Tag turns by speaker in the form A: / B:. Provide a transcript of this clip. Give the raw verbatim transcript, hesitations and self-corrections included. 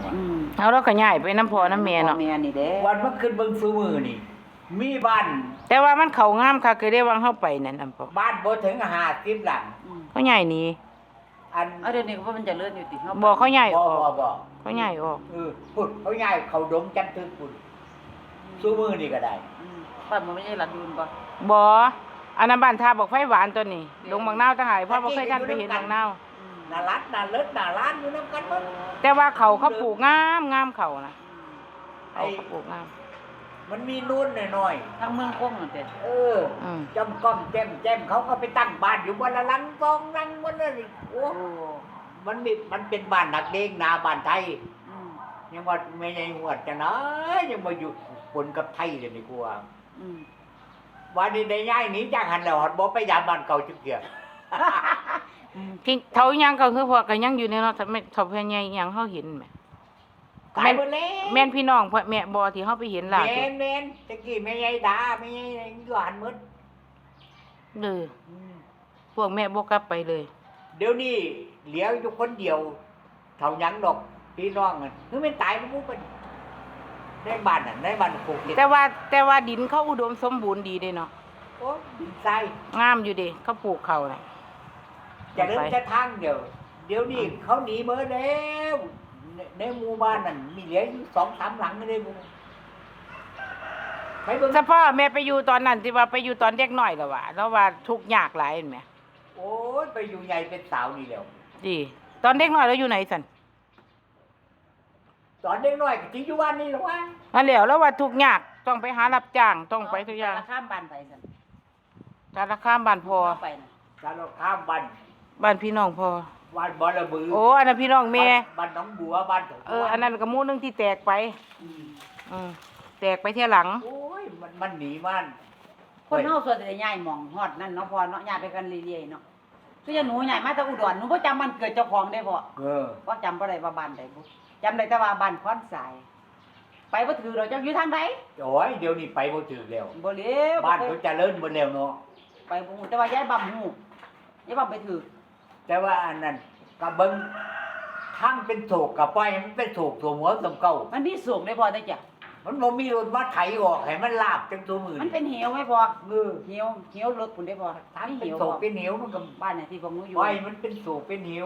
A: ว่ะ
B: อืม
C: เอาเราก็ย้ายไปน้ำพ่อน้ำแม่เนาะ
B: แม่นี่เด้
A: วันมันขึ้นเบิ่งซุมือนี่ มีบ้าน
C: แต่ว่ามันเข้างามค่ะคือได้วางเฮาไปนั่นอำพ่อ
A: บ้านบ่ถึงห้าสิบหลัง
B: อืม
C: เขาย้ายหนี
A: อัน
B: เอาเดี๋ยวนี้ว่ามันจะเลื่อนอยู่ติเฮา
C: บ่เขาย้ายอ
A: บ่
C: อก
A: บ่บ่
C: เขาย้ายออก
A: เออพุ่นเขาย้ายเขาดงจันทึกพุ่นซุมือนี่ก็ได้
B: อืมบ้านมันไม่ใช่หลัดดูนบ่
C: บ่อันนั้นบ้านทาบอกไฟหวานตัวนี้ลงบางนาวทหารเพราะบ่เคยท่านไปเห็นบางนาว
B: อืม
A: น่ารักน่าเลิศน่าร้านอยู่นํกันหมด
C: แต่ว่าเขาเขาปลูกงามงามเขานะ
A: ไอ้
C: เขาเขาปลูกงาม
A: มันมีนู่นหน่อย
B: ทางเมืองคงนั่นเด้
A: ๆเออ
C: อืม
A: จำก้อมแจ่มแจ่มเขาก็ไปตั้งบ้านอยู่บนละหลังสองหลังบนนั่นอีกโอ้
B: โอ้
A: มันมีมันเป็นบ้านนักเลงนาบ้านไทย
B: อืม
A: ยังว่าไม่ใช่หวดจะนะยังมาอยู่คนกับไทยเลยนี่กูว่า
B: อืม
A: วันนี้ได้ย้ายหนีจากหันแล้วหัดบ่ไปยามบ้านเก่าจุกเกีย
B: อืม
C: ที่เท่ายังก็คือพวกก็ยังอยู่ในเนาะถ้าไม่ถ้าเพิ่นใหญ่ยังเฮาเห็นแหม
A: ตายหมดแล้ว
C: แม่นพี่น้องพ่อแม่บ่ที่เฮาไปเห็นล่า
A: แม่
C: สุด
A: นแม่นตะกี้แม่ใหญ่ดาแม่ใหญ่อยู่หันหมด
C: เด้อ
A: อืม
C: พวกแม่บ่กลับไปเลย
A: เดี๋ยวนี้เหลียวอยู่คนเดียวเท่าหยังดอกพี่น้องอ่ะคือไม่ตายมันบ่เป็นในบ้านน่ะในบ้านปลูกเห็ด
C: แต่ว่าแต่ว่าดินเขาอุดมสมบูรณ์ดีเด้เนาะ
A: โอ้ดินทราย
C: งามอยู่เด้เขาปลูกเขาน่ะ
A: จะเดินจะทางเดียว เดี๋ยวนี้เขาหนีเบิดแล้วในในหมู่บ้านนั่นมีเหลืออยู่สองสามหลังเลยบุไปเบิ่ง
C: เฉพาะแม่ไปอยู่ตอนนั้นที่ว่าไปอยู่ตอนเด็กน้อยแล้วว่าแล้วว่าทุกข์ยากหลายเห็นไหม
A: โอ้ยไปอยู่ใหญ่เป็นสาวนี่แล้ว
C: ดีตอนเด็กน้อยเราอยู่ไหนสัน
A: ตอนเด็กน้อยก็ทิ้งอยู่บ้านนี่หรอวะ
C: นั่นแหล้วแล้วว่าทุกข์ยากต้องไปหารับจ้างต้องไปทุกอย่าง
B: ข้ามบ้านไปซั่น
C: สารคามบ้านพอ
B: เอาไปน่ะ
A: การเราข้ามบ้าน
C: บ้านพี่น้องพอ
A: บ้านบอระบือ
C: โอ้อันนั้นพี่น้องแม่
A: บ้านหน้องบัวบ้านถ
C: เอออันนั้นก็หมู่หนึงที่แตกไป
A: อืม
C: อืมแตกไปเที่ยหลัง
A: โอ้ยมันมันหนีมัน
B: คนเฮาส่วนใหญ่ย้ายหม่องฮอดนั่นเนาะพอเนาะย้ายไปกันเรื่อยๆเนาะคืออย่างหนูย้ายมาจากอุดรหนูบ่จำมันเกิดเจ้าของได้บ่
A: เออ
B: บ่จำบ่ได้ว่าบ้านใดบ่จำได้แต่ว่าบ้านคอนสาย ไปบ่ถือเราจักอยู่ทางใด
A: โอ้ยเดี๋ยวนี้ไปบ่ถึงแล้ว
B: บ่เลี้ยว
A: บ้านเขาเจริญหมดแล้วเนาะ
B: ไปบ่ฮู้แต่ว่าย้ายบ่ฮู้ย้ายบ่ไปถือ
A: แต่ว่าอันนั้นก็เบิ่งทั้งเป็นโศกกับปล่อยให้มันเป็นโศกตัวหัวตัวเก่า
B: มันมีสูงได้พอได้จ้ะ
A: มันบ่มีรถมาไถออกให้มันลาบจังตัวมือ
B: มันเป็นเหวไหมพอ
A: เออ
B: เหวเหวรถพุ่นได้พอ
A: ทั้ง
B: มี
A: เป็น
B: เหว
A: โศ
B: บ่
A: กเป็นเหนียวมันก็
B: บ้านเนี่ยที่พวกหนูอยู่
A: ปล่อยมันเป็นโศกเป็นเหนียว